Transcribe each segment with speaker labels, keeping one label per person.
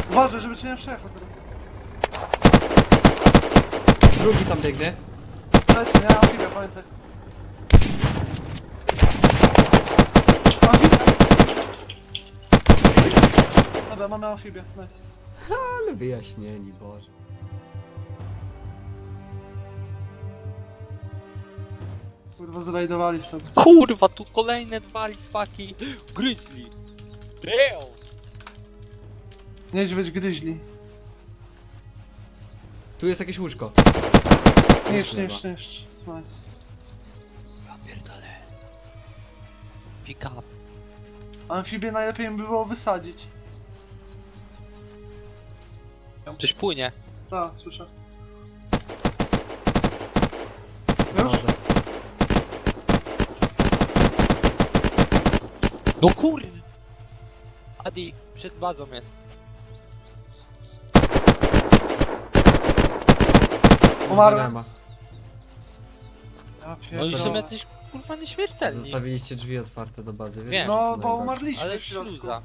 Speaker 1: Uważaj, żeby cię nie przejechał teraz.
Speaker 2: Drugi tam biegnie.
Speaker 1: Lecę, nie mam chwilę, pamiętaj. Amfibia! Dobra, mamy amfibię, nice.
Speaker 2: Ale wyjaśnieni, Boże.
Speaker 1: Kurwa, zrajdowali sobie.
Speaker 3: Kurwa, tu kolejne dwa lispaki. Grizzly. Damn.
Speaker 1: Niedźwiedź gryźli.
Speaker 2: Tu jest jakieś łóżko.
Speaker 1: Niszcz.
Speaker 2: Nice.
Speaker 1: Nice.
Speaker 3: Ja pierdolę. Pick up.
Speaker 1: Amfibię najlepiej by było wysadzić.
Speaker 3: Coś płynie.
Speaker 1: Tak, słyszę. Już?
Speaker 2: Boże.
Speaker 3: No kur... Adi, przed bazą jest.
Speaker 1: Umarłem.
Speaker 2: Nie ma.
Speaker 1: Ja
Speaker 3: No i są
Speaker 1: pierdolę.
Speaker 3: jacyś kurwa nieśmiertelni.
Speaker 2: Zostawiliście drzwi otwarte do bazy, wiesz?
Speaker 3: Wiem.
Speaker 2: że to
Speaker 1: No, bo
Speaker 2: najgorsze.
Speaker 1: umarliśmy
Speaker 3: Ale
Speaker 1: w środku.
Speaker 3: śluza.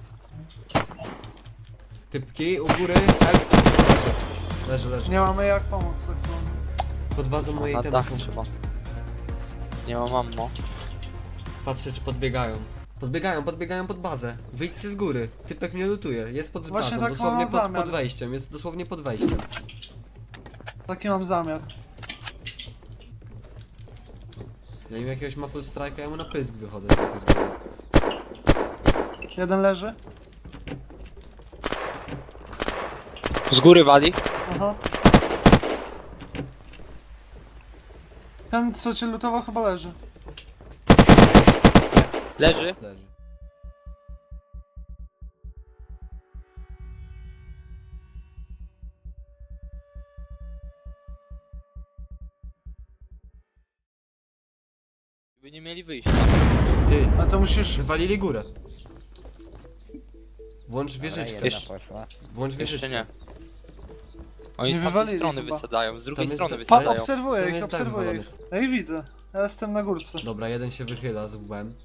Speaker 2: Typki u góry, help. Leży.
Speaker 1: Nie mamy jak pomóc, tak to.
Speaker 2: Pod bazą mojej
Speaker 3: Na
Speaker 2: temy
Speaker 3: dach
Speaker 2: są.
Speaker 3: trzeba. Nie mam ammo.
Speaker 2: Patrzę czy podbiegają. Podbiegają pod bazę. Wyjdźcie z góry. Typek mnie lutuje. Jest pod
Speaker 1: Właśnie
Speaker 2: bazą,
Speaker 1: tak
Speaker 2: dosłownie
Speaker 1: mam zamiar.
Speaker 2: pod wejściem. Jest dosłownie pod wejściem.
Speaker 1: Taki mam zamiar.
Speaker 2: Ja im jakiegoś Maple Strike'a, ja mu na pysk wychodzę tylko z góry.
Speaker 1: Jeden leży.
Speaker 3: Z góry wali.
Speaker 1: Aha. Ten co cię lutował chyba leży.
Speaker 3: Leży.
Speaker 2: Leży.
Speaker 3: By nie mieli wyjścia.
Speaker 2: Ty,
Speaker 1: A to musisz...
Speaker 2: wywalili górę. Włącz wieżyczkę.
Speaker 3: Jeszcze-
Speaker 2: Włącz
Speaker 3: Jeszcze
Speaker 2: wieżyczkę.
Speaker 3: nie. Oni
Speaker 1: Nie
Speaker 3: z tamtej
Speaker 1: wywalili
Speaker 3: strony
Speaker 1: chyba.
Speaker 3: wysadzają, z drugiej
Speaker 2: Tam jest
Speaker 3: strony
Speaker 2: ta-
Speaker 1: Pa,
Speaker 3: wysadzają.
Speaker 1: obserwuję
Speaker 2: Tam
Speaker 1: ich,
Speaker 2: jest dach
Speaker 1: obserwuję ich. Ja ich widzę. Ja jestem na górce.
Speaker 2: Dobra, jeden się wychyla z łbem.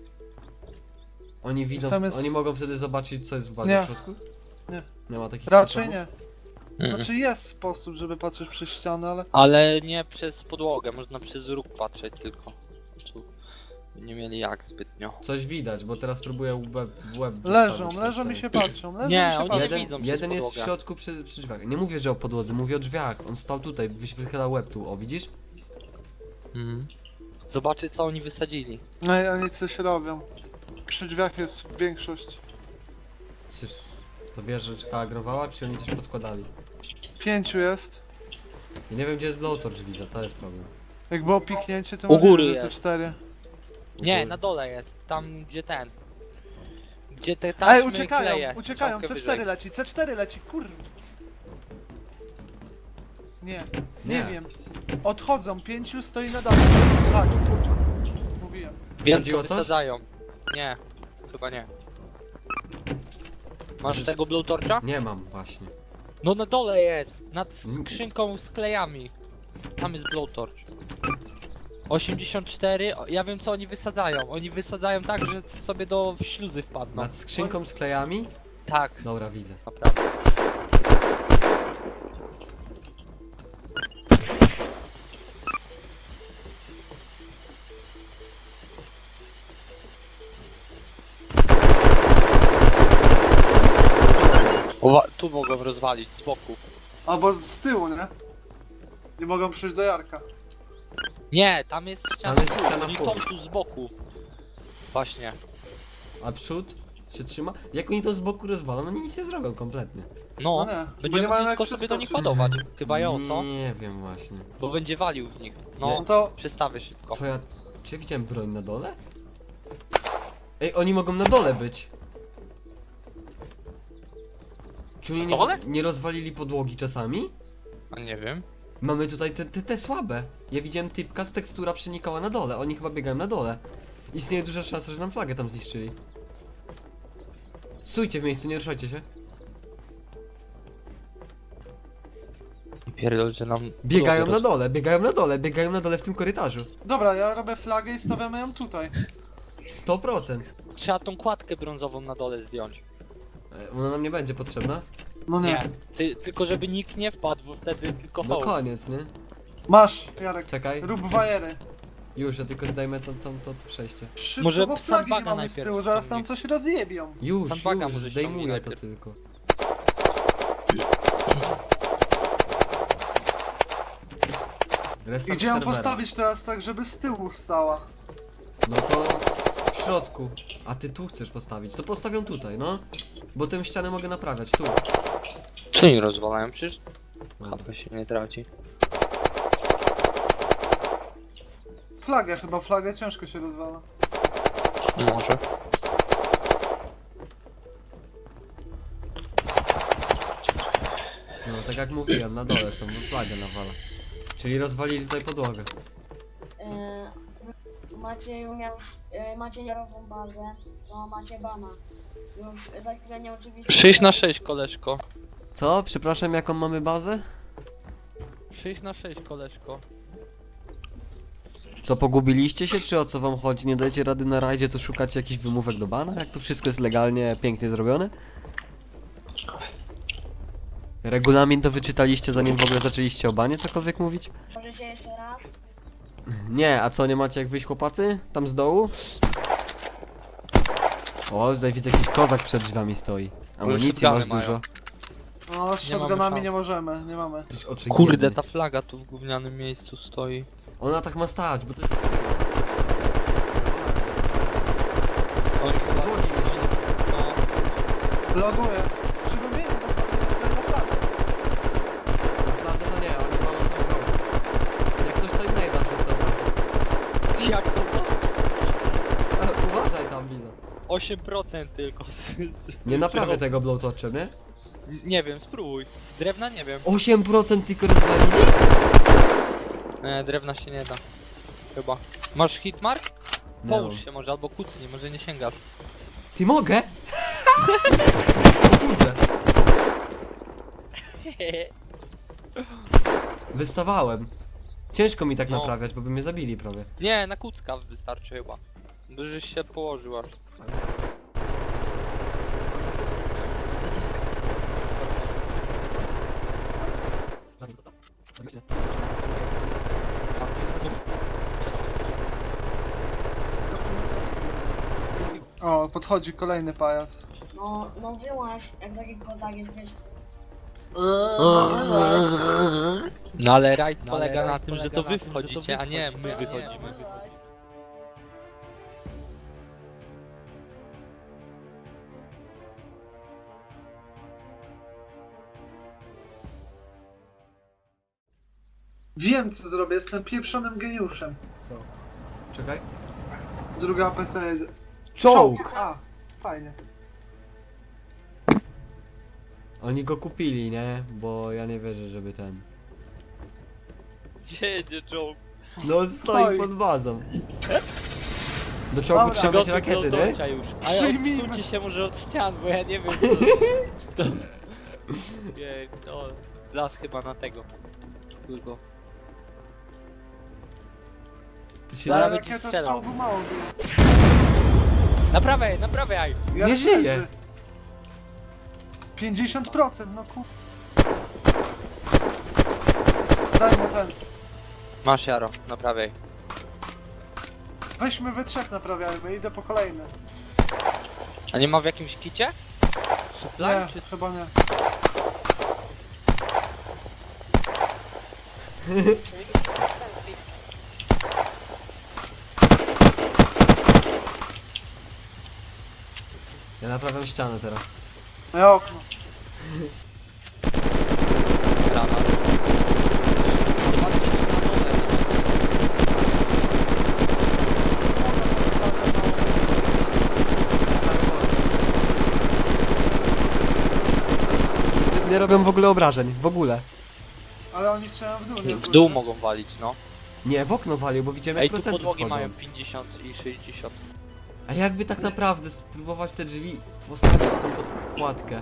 Speaker 2: Oni widzą,
Speaker 1: Tam jest-
Speaker 2: oni mogą wtedy zobaczyć co jest w bazie
Speaker 1: Nie.
Speaker 2: w środku?
Speaker 1: Nie.
Speaker 2: Nie ma takich
Speaker 1: Raczej
Speaker 2: sposobów?
Speaker 1: nie.
Speaker 3: Mm.
Speaker 1: Znaczy jest sposób, żeby patrzeć przez ścianę, ale...
Speaker 3: Ale nie przez podłogę, można przez róg patrzeć tylko. Tu nie mieli jak zbytnio.
Speaker 2: Coś widać, bo teraz próbuję w łeb
Speaker 1: Leżą,
Speaker 2: wstawić
Speaker 1: leżą
Speaker 2: na
Speaker 1: i się
Speaker 2: ścianę.
Speaker 1: patrzą, leżą
Speaker 3: Nie,
Speaker 1: i się
Speaker 3: oni
Speaker 1: patrzą.
Speaker 3: nie widzą przez
Speaker 2: Jeden jest w
Speaker 3: podłogę.
Speaker 2: środku przy drzwiach. Nie mówię, że o podłodze, mówię o drzwiach. On stał tutaj, wychylał łeb tu, o widzisz?
Speaker 3: Mhm. Zobaczy co oni wysadzili.
Speaker 1: No i oni coś robią. Przy drzwiach jest większość.
Speaker 2: Czyż to wieżyczka agrowała, czy oni coś podkładali?
Speaker 1: 5 jest.
Speaker 2: Ja nie wiem gdzie jest blowtorch widzę, to jest problem.
Speaker 1: Jak było piknięcie, to
Speaker 3: U góry
Speaker 1: możliwe, że
Speaker 3: jest.
Speaker 1: są 4.
Speaker 3: Nie, na dole jest. Tam gdzie ten. Gdzie te taśmy
Speaker 1: Ej, uciekają,
Speaker 3: kleje.
Speaker 1: uciekają,
Speaker 3: Strzałkę
Speaker 1: C4
Speaker 3: wyżej.
Speaker 1: leci, C4 leci, kurwa. Nie, nie
Speaker 2: Nie.
Speaker 1: wiem. Odchodzą, 5 stoi na dole. Tak, mówiłem.
Speaker 3: Wiem
Speaker 2: Wsadziło
Speaker 3: co
Speaker 2: coś?
Speaker 3: wysadzają. Nie, chyba nie. Masz
Speaker 2: Może-
Speaker 3: tego blowtorcha?
Speaker 2: Nie mam właśnie.
Speaker 3: No na dole jest! Nad
Speaker 2: Mm.
Speaker 3: skrzynką z klejami. Tam jest blowtorch. 84, ja wiem co oni wysadzają. Oni wysadzają tak, że sobie do śluzy wpadną.
Speaker 2: Nad skrzynką z klejami?
Speaker 3: Tak,
Speaker 2: Dobra, widzę.
Speaker 3: naprawdę. Tu mogą rozwalić z boku.
Speaker 1: Albo z tyłu, nie? Nie mogą przyjść do Jarka.
Speaker 3: Nie, tam jest ściana.
Speaker 2: Tam jest ściana
Speaker 3: Oni
Speaker 2: full.
Speaker 3: są tu z boku. Właśnie.
Speaker 2: A przód się trzyma? Jak oni to z boku rozwalą? Oni nic nie zrobią kompletnie.
Speaker 3: No,
Speaker 1: No nie, bo nie
Speaker 3: będziemy
Speaker 1: mają
Speaker 3: mogli
Speaker 1: jak
Speaker 3: tylko sobie do nich
Speaker 1: przeskoczyć.
Speaker 3: ładować. Chyba ją, co?
Speaker 2: Nie wiem właśnie.
Speaker 3: Bo będzie walił w nich.
Speaker 2: Nie.
Speaker 3: No,
Speaker 1: No to
Speaker 3: przestawię szybko.
Speaker 2: Co ja... Czy ja widziałem broń na dole? Ej, oni mogą na dole być. Czy oni
Speaker 3: Na dole?
Speaker 2: nie rozwalili podłogi czasami?
Speaker 3: A nie wiem.
Speaker 2: Mamy tutaj te słabe. Ja widziałem typka z tekstura przenikała na dole. Oni chyba biegają na dole. Istnieje duża szansa, że nam flagę tam zniszczyli. Stójcie w miejscu, nie ruszajcie się.
Speaker 3: I pierdol, że nam...
Speaker 2: Biegają na
Speaker 3: podłogę
Speaker 2: dole, biegają na dole w tym korytarzu.
Speaker 1: dobra, ja robię flagę i stawiamy ją tutaj.
Speaker 2: 100%.
Speaker 3: Trzeba tą kładkę brązową na dole zdjąć.
Speaker 2: Ona nam nie będzie potrzebna.
Speaker 1: No nie.
Speaker 3: Nie, tylko żeby nikt nie wpadł, bo wtedy tylko
Speaker 2: No
Speaker 3: hołd.
Speaker 2: koniec, nie?
Speaker 1: Masz, Jarek.
Speaker 2: Czekaj.
Speaker 1: Rób bajery.
Speaker 2: Już, ja tylko zdajmy to przejście.
Speaker 1: Szybko,
Speaker 3: Może
Speaker 1: bo flagi nie
Speaker 3: sandbaga
Speaker 1: mamy z
Speaker 3: najpierw
Speaker 1: tyłu, zaraz tam
Speaker 3: ściągnij.
Speaker 1: coś rozjebią.
Speaker 2: Już,
Speaker 3: Sandbaga
Speaker 2: już,
Speaker 3: może
Speaker 2: zdejmuję
Speaker 3: ściągnij
Speaker 2: to
Speaker 3: najpierw.
Speaker 2: tylko.
Speaker 1: I
Speaker 2: Restart
Speaker 1: gdzie ją
Speaker 2: serwera.
Speaker 1: postawić teraz tak, żeby z tyłu stała?
Speaker 2: No to w środku. A ty tu chcesz postawić. To postawią tutaj, no. Bo tę ścianę mogę naprawiać, tu.
Speaker 3: Co nie rozwalają? Przecież
Speaker 2: No.
Speaker 3: HP się nie traci.
Speaker 1: Flagę ciężko się rozwala.
Speaker 3: Może.
Speaker 2: No, tak jak mówiłem, na dole są, bo flagę nawala. Czyli rozwalili tutaj podłogę.
Speaker 4: Macie nierową bazę, to macie bana. Już za chwilę nie oczywiście...
Speaker 3: 6 na 6, koleżko.
Speaker 2: Co? Przepraszam, jaką mamy bazę?
Speaker 3: 6 na 6, koleżko.
Speaker 2: Co, pogubiliście się, czy o co wam chodzi? Nie dajecie rady na rajdzie, to szukacie jakichś wymówek do bana? Jak to wszystko jest legalnie, pięknie zrobione? Regulamin to wyczytaliście, zanim w ogóle zaczęliście o banie cokolwiek mówić?
Speaker 4: Możecie jeszcze raz?
Speaker 2: Nie, a co, nie macie jak wyjść, chłopacy? Tam z dołu? O, tutaj widzę, jakiś kozak przed drzwiami stoi. Amunicji
Speaker 3: shotguny
Speaker 2: masz
Speaker 3: mają.
Speaker 2: dużo.
Speaker 1: No, z
Speaker 3: Nie mamy
Speaker 1: shotgunami
Speaker 3: szans.
Speaker 1: nie możemy, nie mamy.
Speaker 2: Jesteś oczy
Speaker 3: Kurde,
Speaker 2: biedny.
Speaker 3: ta flaga tu w gównianym miejscu stoi.
Speaker 2: Ona tak ma stać, bo to jest...
Speaker 3: Oj, chyba... No,
Speaker 1: Loguję. Przypomnijmy, bo to jest na flagę.
Speaker 2: Na fladze to nie, oni mają tą broń. Jak coś to innego to dobra.
Speaker 3: jak to było?
Speaker 2: Uważaj tam, widzę.
Speaker 3: 8% tylko.
Speaker 2: Nie naprawię tego blowtorczem, nie?
Speaker 3: Nie wiem, spróbuj. Drewna nie wiem.
Speaker 2: 8% tylko rozwalili?
Speaker 3: Nie, drewna się nie da. Chyba. Masz hitmark?
Speaker 2: Nie
Speaker 3: Połóż
Speaker 2: mam.
Speaker 3: się może, albo kucnij, może nie sięgasz.
Speaker 2: Ty mogę? O kurde. Wystawałem. Ciężko mi tak
Speaker 3: No.
Speaker 2: naprawiać, bo by mnie zabili prawie.
Speaker 3: Nie, na kucka wystarczy chyba. Bo żeś się położył aż.
Speaker 1: O, podchodzi kolejny pajac.
Speaker 4: No wyłaź, jak taki kozak jesteś.
Speaker 3: No ale rajd polega na tym, że to wy wchodzicie, a nie my wychodzimy.
Speaker 1: Wiem co zrobię, jestem pieprzonym geniuszem.
Speaker 2: Co? Czekaj.
Speaker 1: Druga APC jedzie.
Speaker 2: Czołg!
Speaker 1: A, fajnie.
Speaker 2: Oni go kupili, nie? Bo ja nie wierzę, żeby ten...
Speaker 3: Gdzie jedzie czołg?
Speaker 2: No stoi pod bazą. Do czołgu
Speaker 1: Dobra.
Speaker 2: trzeba mieć rakiety, nie?
Speaker 3: już. Ale
Speaker 1: Przyjmijmy.
Speaker 3: odsuńcie się może od ścian, bo ja nie wiem co... Nie, no... Las chyba na tego. Tylko.
Speaker 2: To się
Speaker 3: Zaraz
Speaker 1: Ale
Speaker 3: będzie
Speaker 1: rakieta z
Speaker 3: strzelał.
Speaker 1: czołgu mało było.
Speaker 3: Naprawiaj, naprawiaj!
Speaker 1: Ja
Speaker 2: Nie żyje.
Speaker 1: leży. 50%, no kur... Daj mu ten.
Speaker 3: Masz Jaro, naprawiaj.
Speaker 1: Weźmy we trzech naprawiajmy, idę po kolejny.
Speaker 3: A nie ma w jakimś kicie? Supply
Speaker 1: Nie,
Speaker 3: czy...
Speaker 1: chyba nie.
Speaker 2: Ja naprawiam ścianę teraz.
Speaker 1: Ja okno.
Speaker 3: Granat. Nie patrzcie na dole,
Speaker 2: Nie robią w ogóle obrażeń, w ogóle.
Speaker 1: Ale oni strzelają w dół, nie
Speaker 3: w dół mogą walić, no.
Speaker 2: Nie, w okno walił, bo widziałem
Speaker 3: Ej,
Speaker 2: jak
Speaker 3: tu
Speaker 2: procenty
Speaker 3: podłogi
Speaker 2: schodzą.
Speaker 3: mają 50 i 60.
Speaker 2: A jakby tak naprawdę spróbować te drzwi postawić tą podkładkę?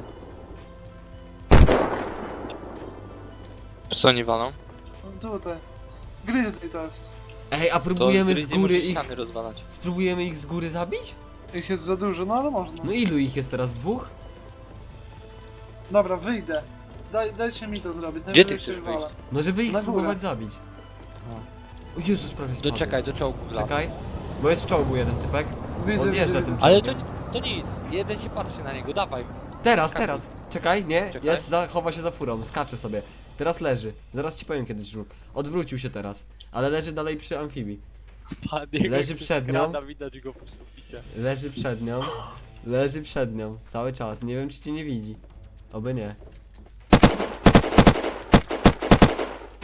Speaker 3: Co oni walą?
Speaker 1: No tutaj. Grizzly to jest.
Speaker 2: Ej, a
Speaker 3: To
Speaker 2: próbujemy z
Speaker 3: gryzie
Speaker 2: góry
Speaker 3: może
Speaker 2: ich...
Speaker 3: ściany rozwalać.
Speaker 2: Spróbujemy ich z góry zabić?
Speaker 1: Ich jest za dużo, no ale można.
Speaker 2: No ilu ich jest teraz? Dwóch?
Speaker 1: Dobra, wyjdę. Dajcie mi to zrobić.
Speaker 3: Gdzie ty
Speaker 1: najwyżej
Speaker 3: chcesz
Speaker 1: się wywala.
Speaker 3: wyjść?
Speaker 2: No żeby ich
Speaker 1: Na górę.
Speaker 2: spróbować zabić. O Jezus, prawie spadłem.
Speaker 3: Doczekaj, do czołgu wlazł.
Speaker 2: Czekaj. Bo jest w czołgu jeden typek.
Speaker 1: Widzę,
Speaker 2: Odjeżdża
Speaker 1: widzę.
Speaker 2: tym
Speaker 3: Ale
Speaker 2: czołgiem.
Speaker 3: to nic, jeden się patrzy na niego, dawaj.
Speaker 2: Teraz,
Speaker 3: Skakuj.
Speaker 2: teraz. Czekaj, nie,
Speaker 3: Czekaj.
Speaker 2: jest, chowa się za furą, skacze sobie. Teraz leży. Zaraz ci powiem kiedyś żółk. Odwrócił się teraz. Ale leży dalej przy amfibii.
Speaker 3: Pan jego
Speaker 2: Leży
Speaker 3: się
Speaker 2: przed nią.
Speaker 3: skrada, widać go po suficie.
Speaker 2: Leży przed nią. Leży przed nią. Cały czas. Nie wiem czy cię nie widzi. Oby nie.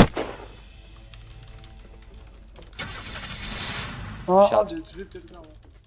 Speaker 1: O,
Speaker 3: Siadł.
Speaker 1: odjedź, wypierdolę.